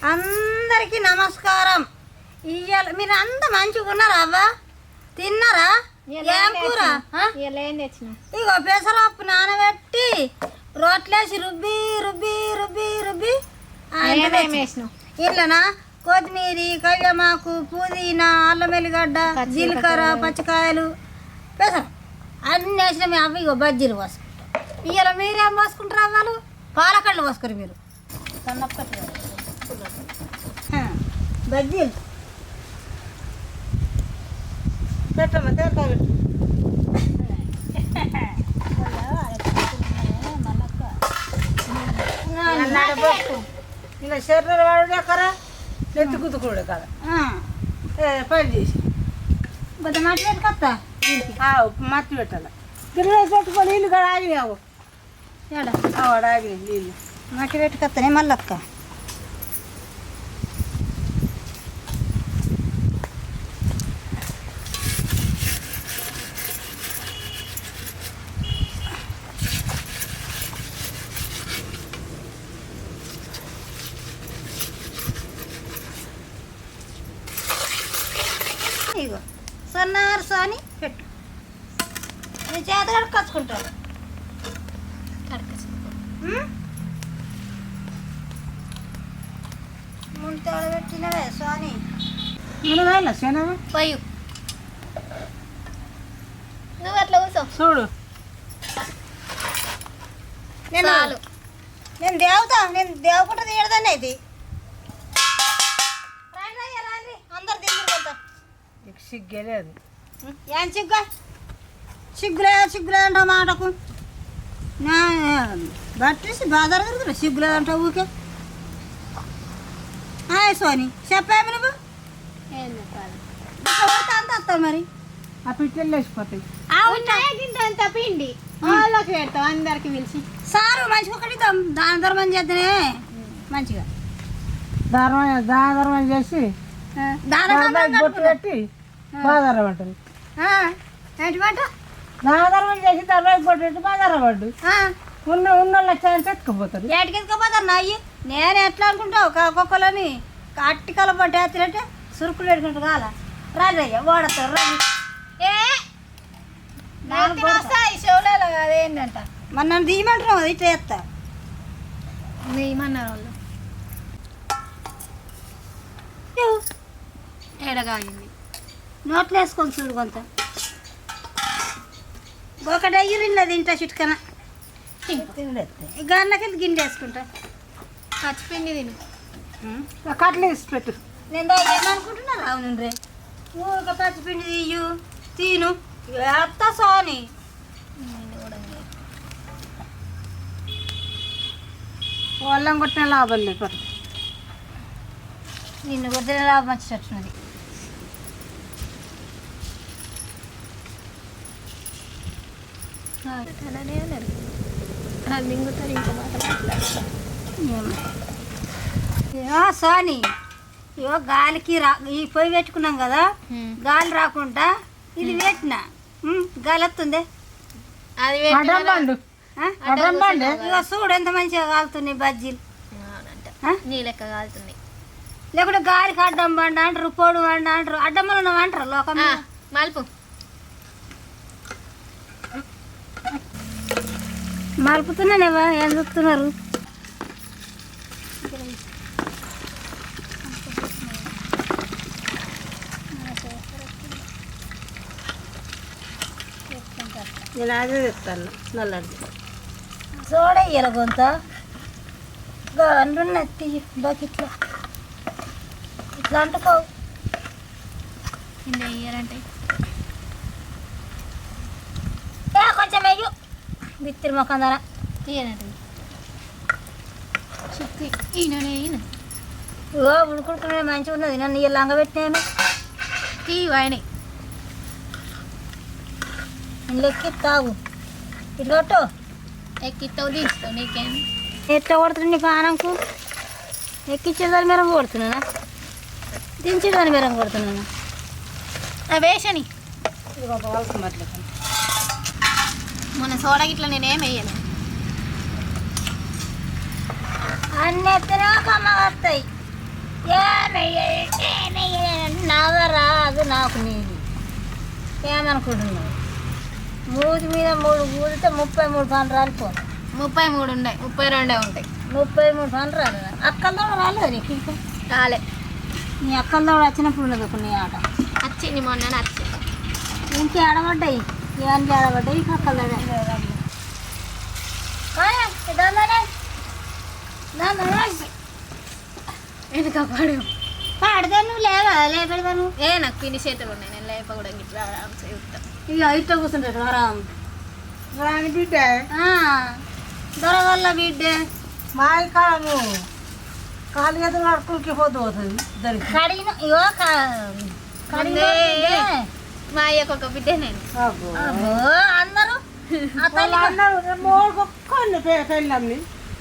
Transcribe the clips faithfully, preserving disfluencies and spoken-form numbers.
అందరికీ నమస్కారం. ఇయ్యాల మీరు అంత మంచిగా ఉన్నారా? అవ్వ తిన్నారా? ఏం కూర? ఇగో పెసరపప్పు నానబెట్టి రోట్లేసి రుబ్బి రుబ్బి రుబ్బి రుబ్బి ఇట్లనా కొత్తిమీర, కళ్యామాకు, పుదీనా, అల్లం వెల్లిగడ్డ, జీలకర్ర, పచ్చికాయలు, పెసర అన్నీ వేసిన మీ అవ్వ ఇగో బజ్జీలు పోసుకుంటాం. ఇవాళ మీరేం పోసుకుంటారు? అవ్వలు పాలకళ్ళు పోసుకురు మీరు బజ్జీలు పెట్టమ్మా తేరకాయ పెట్టు. ఇలా శరీరం వాడుడే కరా నెత్తి కుతుకుడు కదా పని చేసి కొద్ది మట్టి పెట్టుకొస్తా. మట్టి పెట్టాలి గిన్నె పెట్టుకొని నీళ్ళు కూడా ఆగినావు ఆడ ఆగినాయి నీళ్ళు మట్టి పెట్టుకొస్తానే మళ్ళక్క. ఇగో సన్నారు సాని పెట్టు. నీ చేత కడుకొచ్చుకుంటారు. ముందు పెట్టినవే సాని పోయి నువ్వు అట్లా కూర్చో చూడు. నేను నేను దేవతా నేను దేవకుంట తీయడదాన్ని అయితే అందరు దిగుతా సిగ్గలేదు. ఏం సిగ్గా సిగ్గులే సిగ్గులేదంట మాటకు బట్టేసి బాధ సిగ్గులేదంట ఊకే. సోని చెప్పేమి నువ్వు అంత వస్తావు మరి ఆ పిట్టలు వేసిపోతాయి. అంత పిండి వాళ్ళకి పెడతావు అందరికి పిలిచి సారు మంచిగా ఒకటి దాన ధర్మం చేద్దనే మంచిగా ధర్మం దాన ధర్మం చేసి బొట్టు పెట్టి బాధార పడ్డది. ఏంటి పంట దానధర్మం చేసి ధర్మం బొట్టు పెట్టి బాధార పడ్డు. ఉన్న ఉన్నోళ్ళు వచ్చాయంటే ఎత్తుకుపోతారు. ఏటికి ఎత్తుకుపోతారు నా అయ్యి. నేను ఎట్లా అనుకుంటావు ఒక్కొక్కలని అట్టి కల పట్టు ఎత్తులంటే సురుకులు పెట్టుకుంటూ కాల రాజయ్య ఓడతారు రాజు. షోలలో అదేంటంట మరి నన్ను తీయమంటున్నావు అది ఇట్లా ఎత్తా తీయమన్నారు వాళ్ళు. ఎడగాగింది నోట్లు వేసుకొని చూడు కొంత ఒకటి అయ్యి తింటా చిట్కన గన్నకెళ్ళి గిన్నె వేసుకుంటా పచ్చిపిండి తిని కట్లు వేసి పెట్టు. నేను ఏమనుకుంటున్నా రావు రే ఊరిక పచ్చిపిండి తీయు తీను ఎత్త సోని వాళ్ళం కొట్టిన లాభం లేదు. నిన్ను కొట్టిన లాభం వచ్చేటట్టున్నది. సోని ఇవో గాలికి రా ఈ పొయ్యి పెట్టుకున్నాం కదా గాలి రాకుండా ఇది పెట్టిన గాలి వస్తుంది. అది ఇక చూడు ఎంత మంచిగా కాలుతున్నాయి బజ్జీలు. నీ లెక్క కాలుతుంది లేకుంటే గాలికి అడ్డం బండి అంటారు పొడు బండి అంటారు అడ్డమ్మలు ఉన్నావు అంటారు లోకం మలుపు మలుపుతున్నానేవా ఏం చూస్తున్నారు? నేను అదే చెప్తాను నల్లది చూడ ఇయ్యాల కొంత అంటున్నది బకెట్లో ఇట్లా అంటుకోవు కింద ఇయ్యాలంటే కొంచెం వెయ్యు బిత్తిరి మొక్కం ధర ఇయ్యనండి చుక్కి ఈయననే ఈయన ఓ ఉడుకుంటున్నా మంచిగా ఉన్నది నన్ను ఇయ్య లంగ పెట్టినాను తీ వాయినాయి ఇందులో ఎక్కిస్తావు ఇట్లొట్టు ఎక్కిస్తావు తీస్తావు నీకేం ఎట్లా కొడుతుంది నీకు ఆనంకు ఎక్కించేదాన్ని మెరం కొడుతున్నానా దించేదాన్ని మెరం కొడుతున్నానా వేసని ఇది ఒక వలసమట్లే మొన్న సోడా గిట్లా నేనేం వేయను అన్నీ ఎత్తనే కమ్మ వస్తాయి నాకు నీది ఏమనుకుంటున్నావు మూడు మీద మూడు కూడితే ముప్పై మూడు పని రాలిపోను ముప్పై మూడు ఉన్నాయి ముప్పై రెండే ఉంటాయి ముప్పై మూడు పని రాలి అక్కలతో రాలేదు నీకు ఇంకా రాలే నీ అక్కలతో వచ్చినప్పుడు ఉండదు ఒక నీ ఆట వచ్చింది మొన్న వచ్చింది ఇంకే ఆడబడ్డాయి ఇవన్నీ ఆడబడ్డాయి ఇంకా అక్కల ఎందుకు పాడు పాడితే నువ్వు లేవా లేపెడతా నువ్వు ఏ నాకు పిన్ని చేతులు ఉన్నాయి నేను లేప కూడా గిట్లా చెప్తాను ఇక ఇట్లా కూర్చుంటాడు వరం రాని బిడ్డ దొర వల్ల బిడ్డే మా కాలము కాలు ఎదురు నడుకులకి పోతూ పోతుంది ఇద్దరికి కడిగిన ఇగో కడిగిన మా అయ్యకు ఒక బిడ్డే నేను అబ్బో. అబ్బో అందరూ వాళ్ళు అన్నారు మూడు ఒక్కడిని పెళ్ళమ్ని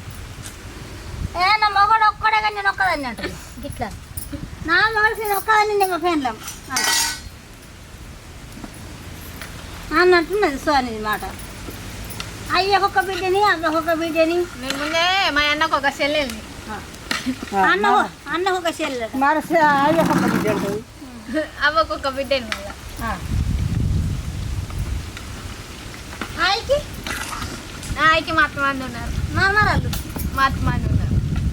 ఏ నా మొగడు ఒక్కడే కానీ నేను ఒక్కదాన్ని అంట గిట్లా నా మొగడికి నేను ఒక్కదాన్ని నేను పెళ్ళాం అన్నట్టున్నది సోనిది మాట అయ్యకొక్క బిడ్డని అమ్మకొక్క బిడ్డని నేను ముందే మా అన్నకు ఒక చెల్లెల్ని అన్న అన్నకు ఒక చెల్లె మరి అయ్యొక్క బిడ్డ ఉంటుంది అవ్వకు ఒక బిడ్డని మళ్ళా ఆయకి ఆయనకి మత్తు మంది ఉన్నారు నాన్నరాళ్ళు మత్తు మంది ఉన్నారు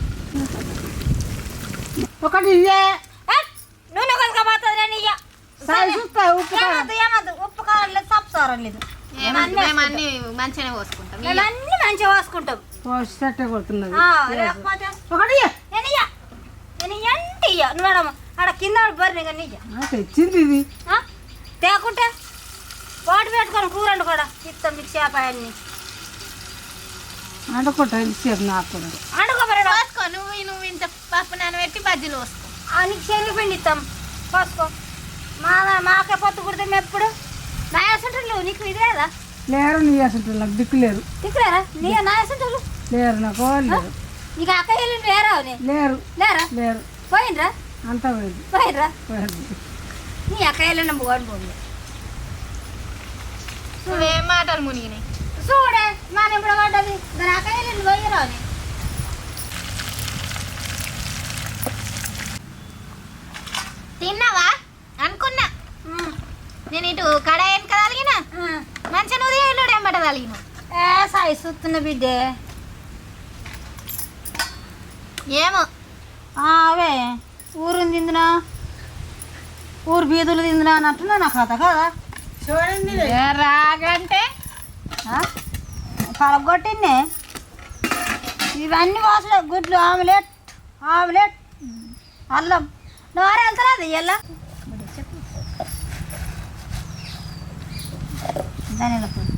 ఒకటి ఇయ్యే నూనె కొనుక పోతుంది నేను ఇయ్య సాయి చూస్తా ఉప్పు కారం. ఏమద్దు ఏమద్దు ఉప్పు కారం లేదు సప్పు సారం లేదు మేము మేము అన్ని మంచిగానే పోసుకుంటాం మేము అన్ని మంచిగా పోసుకుంటాం పోసేటట్టే కొడుతున్నది ఆ, లేకపోతే ఒకటి ఇయ్యే. నేను ఇయ్య నేను ఇయ్యంటే ఇయ్య నువ్వు ఆడ ఆడ కింద బర్రె కానీ ఇయ్య ఆ, తెచ్చింది ఇది ఆ? తేకుంటే వాటి పెట్టుకొని కూర వండు కూడా ఇస్తాం మీకు చేప అన్ని అంటుకుంటా తెలిసేది నాకు కూడా వండుకోబడి పోసుకో నువ్వు నువ్వు ఇంత పప్పు నానబెట్టి బజ్జీలు పోసుకో నీకు శనగ పిండి ఇస్తాం పోసుకో మా మాకే పొత్తు కుడితే ఎప్పుడు నాయసుంటారు నీకు ఇది లేదా లేరు నీ అసలు నాకు దిక్కు లేరు తిక్కలేరా నీ నాయసుంటారు లేరు నాకు వాళ్ళు లేరు నీకు అక్క వెళ్ళి లేరా లేరు లేరా లేరు పోయినరా అంతా పోయింది పోయినరా పోయింది. నీ అక్క వెళ్ళిన పోని పోయి నువ్వేం మాటలు మునిగినాయి చూడే మన ఇప్పుడు పడ్డది దాని అక్క వెళ్ళింది పోయిరా అని తిన్నావా అనుకున్నా నేను ఇటు కడాయని కదలిగిన మంచిగా నువ్వు ఇల్లు ఎంబట తలిగిన ఏ సాయి చూస్తున్న బిడ్డే ఏమో అవే ఊరు తిందినా ఊరు బీదులు తిందినా అన్నట్టున్నా నా కథ కదా చూడండి రాగంటే పడగొట్టింది ఇవన్నీ వాసలే గుడ్లు ఆమ్లెట్ ఆమ్లెట్ అల్లం నోరు వెళ్తలేదు ఎలా ధనియాల పొడి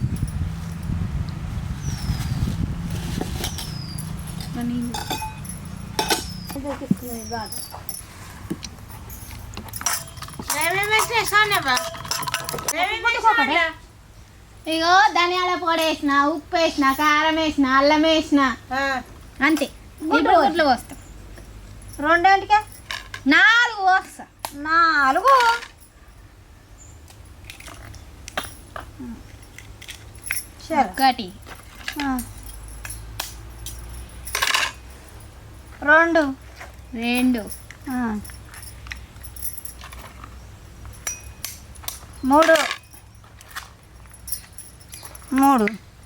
ఇగో ధనియాల పొడి వేసిన ఉప్పు వేసిన కారం వేసిన అల్లం వేసిన అంతే గుడ్లు గుడ్లు పోస్తాం రెండేంటికే నాలుగు పోస్తా నాలుగు సరే ఒకటి రెండు రెండు మూడు మూడు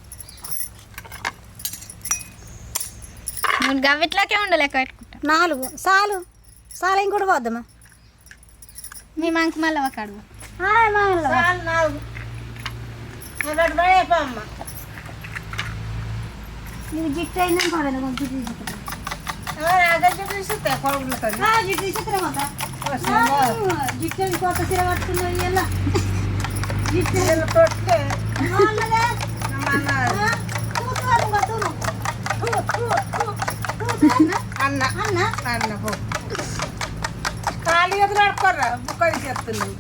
నేను గవ్విట్లోకే ఉండలేక పెట్టుకుంటా నాలుగు సాలు సాలు ఇంకోటి పోద్దామా మీ మంకి మళ్ళీ ఒక అడుగు నాలుగు ఒకటి పడేపమ్మ ఇది జిట్టు అయిందని పడదు కొంచెం తీసుకుంటా అదే చూస్తే కొడుకులతో జిట్టు తీసుకురా జిట్టు కొత్త చీర కట్టుకున్నావు ఇలా జిట్టు కొట్టే అన్న అన్న అన్న పో ఖాళీ ఎదురు ఆడుకోర్రా బుక్కడి చెప్తున్నావు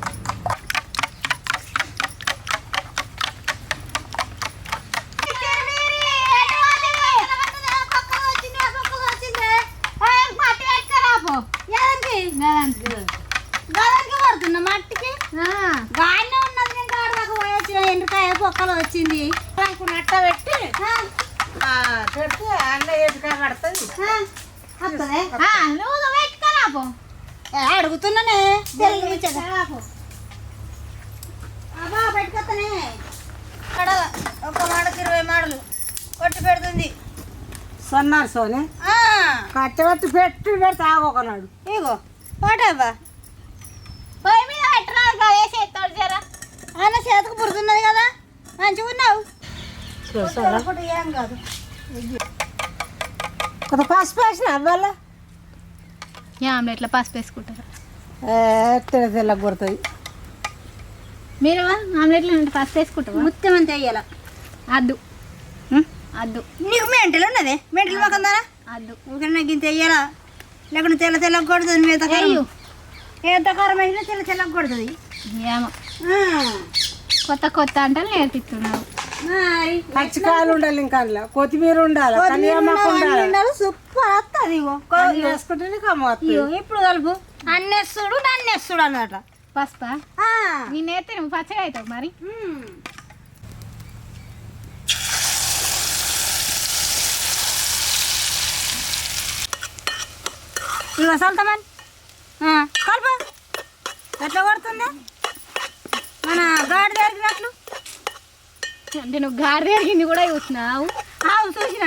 పడుతున్నా మట్టికి గానే ఉన్నది నేను కాడదాకా పోయొచ్చిన ఎండుకాయ పొక్కలు వచ్చింది నట్ట పెట్టి పెడితే అన్న ఎదురుగా పడుతుంది వస్తుంది నువ్వు పెట్టుకోరాపో అడుగుతున్నానే తెలుగు ఒక మాడకి ఇరవై మాడలు కొట్టి పెడుతుంది. సన్నారు సోనే ఆ, కట్టబెట్టి పెట్టి పెడితే ఆగొకనాడు. ఇగో వాటేవా పొయ్యి మీద పెట్టరా గదే చేస్తాడు జరా. ఆయన చేతకు పుడుతున్నది కదా మంచిగా ఉన్నావు. చూసారా? ఒకటి ఏం కాదు. కొంత పసుపు వేసిన అవ్వాల ఈ ఆమ్లెట్లో పసుపు వేసుకుంటారా తెల్ల తెల్ల కొడుతుంది. మీరు ఆమ్లెట్లో పసుపు వేసుకుంటారా? ముత్యం అంతే వేయాల. అద్దు అద్దు నీకు మెంటలు ఉన్నదే మెంటలు మొక్కందారా అద్దు. ఊరికే నాకు ఇంత వేయాలా లేకుంటే తెల్ల తెల్లగా కొడుతుంది. మీద అయ్యో ఎంత కారం వేసినా తెల్ల తెల్లగా కొడుతుంది. ఏమో ఆ, కొత్త కొత్త అంటే నేర్పిస్తున్నావు. మరి పచ్చికాయలు ఉండాలి, ఇంకా అందులో కొత్తిమీర ఉండాలి, కనియామాకు ఉండాలి. సూపర్ వస్తుంది. ఇగో అన్ని వేసుకుంటేనే కమ్మవుతుంది. ఇగో ఇప్పుడు కలుపు అన్నేస్తుడు నన్నేస్తుడు అన్నట. పసుపా నేను నేర్తే నువ్వు పచ్చగా అవుతావు మరి. ఇగో సల్తమన్ కలుపు ఎట్లా కొడుతుంది మన గాడి జరిగినట్లు. అంటే నువ్వు గాడి జరిగింది కూడా చూస్తున్నావు. ఆవు చూసిన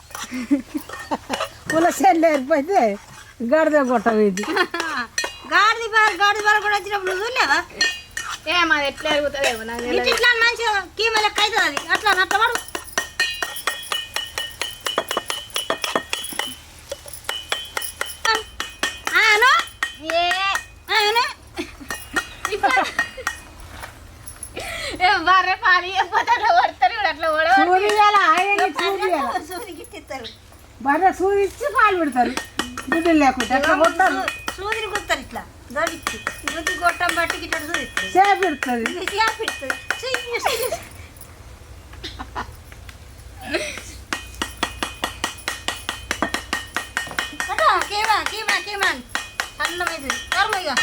పులసెల్లు ఏరిపోతే గడిద కొట్టవేది. గాడిది బాల్ గాడిది బాల్ కూడా వచ్చినప్పుడు నువ్వు చూడలేవా? ఏం అది ఎట్లా జరుగుతుందేమో నాకు ఇట్లా తెలియదు. ఇట్లా మంచిగా కీమ లెక్క అవుతుంది అది. అట్లా అట్లా పడు. ఆను ఏ ఆను బర్రె పాలు ఇవ్వకపోతే అట్లా కొడతారు కూడా అట్లా ఓడవ. సూర్యాల ఆయన సూర్యాల సూది గిట్టిస్తారు. బాగా సూర్య ఇచ్చి పాలు పెడతారు. గుడ్డలు లేకుంటే ఎట్లా కొట్టారు, సూదిని కుడతారు ఇట్లా దొరికి రుచి గొట్టం బట్టి ఇట్లా సూది చేపెడుతుంది. పెడుతుంది. కీమా కీమా కీమా అన్నమైంది కర్మయ్య.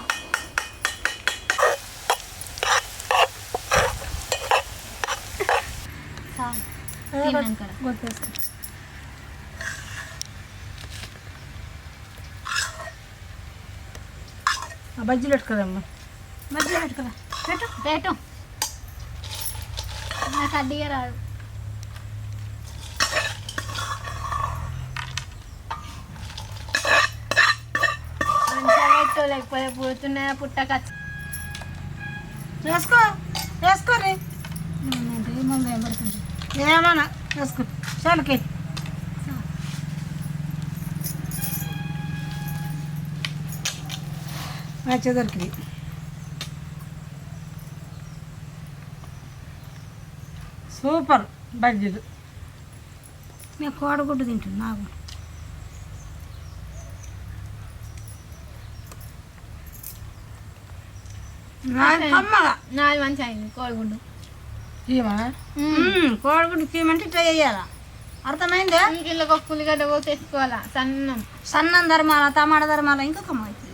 బజ్జీలు పెట్టుకోదమ్మా. మధ్య పెట్టుకోరా పెట్టు. పెట్టు నాకు అడ్డిగా రాదు. మంచిగా పెట్టు లేకపోతే పుడుతున్నా పుట్టక వేసుకో వేసుకోరి ఏమన్నా వేసుకో చాలకి. మంచిగా దొరికింది. సూపర్ బజ్జీలు. నేను కోడగుడ్డు తింటున్నా నాకు. కమ్మగా నాది మంచిగా అయింది కోడిగుడ్డు. ఏమా కోడగుడ్డు కీమంటే ఇట్లా చేయాలా. అర్థమైందా? ఇంట్లో ఒక పులిగడ్డ పోతే తెచ్చుకోవాలా సన్నం. సన్నం ధర్మాల టమాటా ధర్మాల ఇంకా కమ్మ